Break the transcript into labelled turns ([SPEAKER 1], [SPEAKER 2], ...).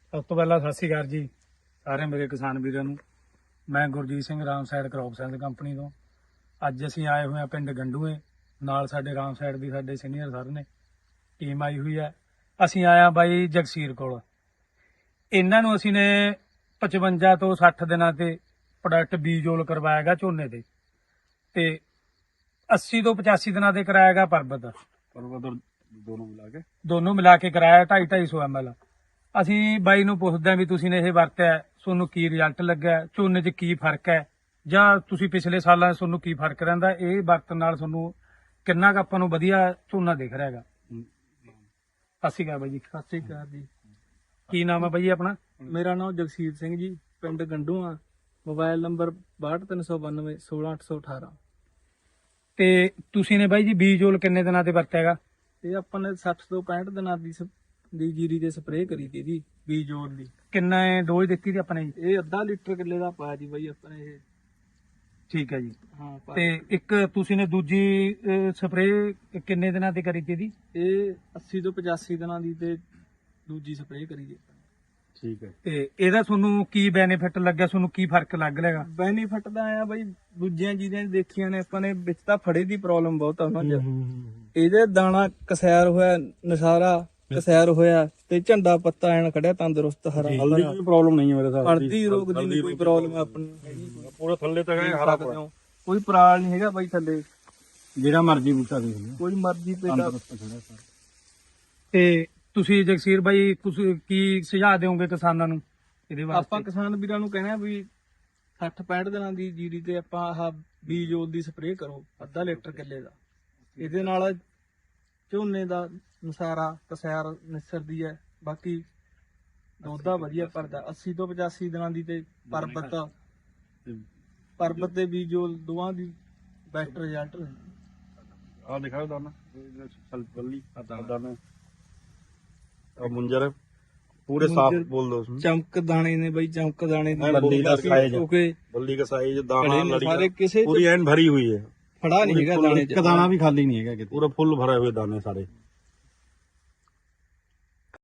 [SPEAKER 1] ਸਭ ਤੋਂ ਪਹਿਲਾਂ ਸਤਿ ਸ਼੍ਰੀ ਅਕਾਲ ਜੀ ਸਾਰੇ ਮੇਰੇ ਕਿਸਾਨ ਵੀਰਾਂ ਨੂੰ। ਮੈਂ Gurjeet Singh Ram side crop science company ਤੋਂ। ਅੱਜ ਅਸੀਂ ਆਏ ਹੋਏ ਹਾਂ ਪਿੰਡ ਗੰਡੂਏ। ਨਾਲ ਸਾਡੇ ਰਾਮ ਸਾਈਡ ਦੀ ਸਾਡੇ ਸੀਨੀਅਰ ਸਰ ਨੇ ਟੀਮ ਆਈ ਹੋਈ ਹੈ। ਅਸੀਂ ਆਇਆ ਬਾਈ ਜਗਸੀਰ ਕੋਲ। ਇਹਨਾਂ ਨੂੰ ਅਸੀਂ ਨੇ 55 ਤੋਂ 60 ਦਿਨਾਂ ਤੇ ਪ੍ਰੋਡਕਟ ਬੀਜੋਲ ਕਰਵਾਇਆਗਾ ਝੋਨੇ ਦੇ, ਤੇ 80 ਤੋਂ 85 ਦਿਨਾਂ ਤੇ ਕਰਾਇਆਗਾ ਪਰਬਤ ਦੋਨੋਂ ਮਿਲਾ ਕੇ ਕਰਾਇਆ 250-250 ml। ਅਸੀਂ ਬਾਈ ਨੂੰ ਪੁੱਛਦੇ ਹਾਂ ਵੀ ਤੁਸੀਂ ਨੇ ਇਹ ਵਰਤਿਆ, ਤੁਹਾਨੂੰ ਕੀ ਰਿਜ਼ਲਟ ਲੱਗਿਆ, ਝੋਨੇ 'ਚ ਕੀ ਫਰਕ ਹੈ, ਜਾਂ ਤੁਸੀਂ ਪਿਛਲੇ ਸਾਲਾਂ 'ਚ ਤੁਹਾਨੂੰ ਕੀ ਫਰਕ ਰਹਿੰਦਾ, ਇਹ ਵਰਤਣ ਨਾਲ ਤੁਹਾਨੂੰ ਕਿੰਨਾ ਕੁ ਆਪਾਂ ਨੂੰ ਵਧੀਆ ਝੋਨਾ ਦਿਖ ਰਿਹਾ ਹੈਗਾ। ਸਤਿ ਸ਼੍ਰੀ ਅਕਾਲ ਬਾਈ ਜੀ।
[SPEAKER 2] ਸਤਿ ਸ਼੍ਰੀ ਅਕਾਲ ਜੀ।
[SPEAKER 1] ਕੀ ਨਾਮ ਹੈ ਬਾਈ ਆਪਣਾ?
[SPEAKER 2] ਮੇਰਾ ਨਾਮ ਜਗਸੀਰ ਸਿੰਘ ਜੀ, ਪਿੰਡ ਗੰਡੂਆ, ਮੋਬਾਈਲ ਨੰਬਰ 6239 16818।
[SPEAKER 1] ਤੇ ਤੁਸੀਂ ਨੇ ਬਾਈ ਜੀ ਬੀਜੋਲ ਕਿੰਨੇ ਦਿਨਾਂ ਤੇ ਵਰਤਿਆ ਹੈਗਾ?
[SPEAKER 2] ਇਹ ਆਪਾਂ ਨੇ 60 ਤੋਂ 65 ਦਿਨਾਂ ਦੀ ਜੀਰੀ ਦੇ ਸਪਰੇਅ ਕਰੀ ਤੀ ਜੀ, ਬੀਜੋਲ ਦੀ।
[SPEAKER 1] ਕਿੰਨਾ ਡੋਜ਼ ਦਿੱਤੀ ਸੀ ਆਪਾਂ ਨੇ ਜੀ?
[SPEAKER 2] ਇਹ ਅੱਧਾ ਲੀਟਰ ਕਿੱਲੇ ਦਾ ਪਾਇਆ ਜੀ ਬਾਈ ਆਪਾਂ ਨੇ ਇਹ।
[SPEAKER 1] ਠੀਕ ਹੈ ਜੀ।
[SPEAKER 2] ਹਾਂ
[SPEAKER 1] ਤੇ ਇੱਕ ਤੁਸੀਂ ਨੇ ਦੂਜੀ ਸਪਰੇਅ ਕਿੰਨੇ ਦਿਨਾਂ ਤੇ ਕਰੀ ਸੀ ਜੀ?
[SPEAKER 2] ਇਹ 80 ਤੋਂ 85 ਦਿਨਾਂ ਦੀ ਤੇ ਦੂਜੀ ਸਪਰੇਅ ਕਰੀ ਜੀ।
[SPEAKER 1] ਠੀਕ ਹੈ। ਤੇ ਇਹਦਾ ਤੁਹਾਨੂੰ ਕੀ ਬੈਨੀਫਿਟ ਲੱਗਿਆ, ਤੁਹਾਨੂੰ ਕੀ ਫਰਕ ਲੱਗ ਰਿਹਾ?
[SPEAKER 2] ਬੈਨੀਫਿਟ ਤਾਂ ਆਇਆ ਬਾਈ, ਦੂਜੀਆਂ ਚੀਜ਼ਾਂ ਦੇਖੀਆਂ ਨੇ ਆਪਾਂ ਨੇ, ਵਿੱਚ ਤਾਂ ਫੜੇ ਦੀ ਪ੍ਰੋਬਲਮ ਬਹੁਤ ਆ ਉਹਨਾਂ 'ਚ। ਇਹਦੇ ਦਾਣਾ ਕਸੈਰ ਹੋਇਆ, ਨਸਾਰਾ ਕਸੈਰ ਹੋਇਆ, ਤੇ ਝੰਡਾ ਪੱਤਾ ਐਨ ਖੜਿਆ ਤੰਦਰੁਸਤ ਹਰਾ।
[SPEAKER 1] ਹਲਦੀ ਦੀ ਪ੍ਰੋਬਲਮ ਨਹੀਂ ਹੈ ਮੇਰੇ ਸਾਹ।
[SPEAKER 2] ਹਲਦੀ ਰੋਗ ਦੀ ਨਹੀਂ ਕੋਈ ਪ੍ਰੋਬਲਮ ਆਪਣੀ ਹੈਗੀ।
[SPEAKER 1] ਪੂਰਾ ਥੱਲੇ ਤੱਕ ਹਰਾ
[SPEAKER 2] ਕੋਈ ਪਰਾਲ ਨਹੀਂ ਹੈਗਾ ਬਾਈ ਥੱਲੇ,
[SPEAKER 1] ਜਿਹੜਾ ਮਰਜ਼ੀ ਬੂਟਾ ਦੇਖ ਲਓ,
[SPEAKER 2] ਕੋਈ ਮਰਜ਼ੀ ਪੇਟਾ।
[SPEAKER 1] ਤੇ ਤੁਸੀਂ ਜਗਸੀਰ ਬਾਈ ਤੁਸੀਂ ਕੀ ਸੁਝਾਅ ਦਿਓਗੇ ਕਿਸਾਨਾਂ ਨੂੰ ਇਹਦੇ ਵਾਸਤੇ?
[SPEAKER 2] ਆਪਾਂ ਕਿਸਾਨ ਵੀਰਾਂ ਨੂੰ ਕਹਿੰਦੇ ਆ ਵੀ 60-65 ਦਿਨਾਂ ਦੀ ਜੀਰੀ ਤੇ ਆਪਾਂ ਆਹ ਬੀਜੋਲ ਦੀ ਸਪਰੇਅ ਕਰੋ, ਅੱਧਾ ਲੀਟਰ ਕਿੱਲੇ ਦਾ। ਇਹਦੇ ਨਾਲ ਝੋਨੇ ਦਾ ਨਸਾਰਾ ਕਸੈਰ ਨਿਸਰਦੀ ਹੈ, ਬਾਕੀ ਦੋਦਾ ਵਧੀਆ ਭਰਦਾ। 80 ਤੋਂ 85 ਦਿਨਾਂ ਦੀ ਤੇ ਪਰਬਤ ਤੇ ਬੀਜੋਲ ਦੋਵਾਂ ਦੀ ਬੈਸਟ ਰਿਜ਼ਲਟ
[SPEAKER 3] ਆ ਦਿਖਾਓ ਦਾਣਾ ਬੱਲੀ ਦਾਣਾ मुंजर पूरे साफ बोल दो उसमें।
[SPEAKER 2] ਚਮਕ ਦਾਣੇ ਨੇ ਬਈ, ਚਮਕ ਦਾਣੇ ਦੀ
[SPEAKER 3] बल्ली का साइज
[SPEAKER 2] ਕਿਉਂਕਿ
[SPEAKER 3] बल्ली का साइज दाना
[SPEAKER 2] ਸਾਰੇ ਕਿਸੇ
[SPEAKER 3] पूरी एंड भरी हुई है,
[SPEAKER 2] ਫੜਾ ਨਹੀਂ ਹੈਗਾ ਦਾਣੇ ਚ।
[SPEAKER 1] ਦਾਣਾ ਵੀ ਖਾਲੀ ਨਹੀਂ ਹੈਗਾ ਕਿਤੇ।
[SPEAKER 3] पूरा फुल भरे हुए दाने सारे।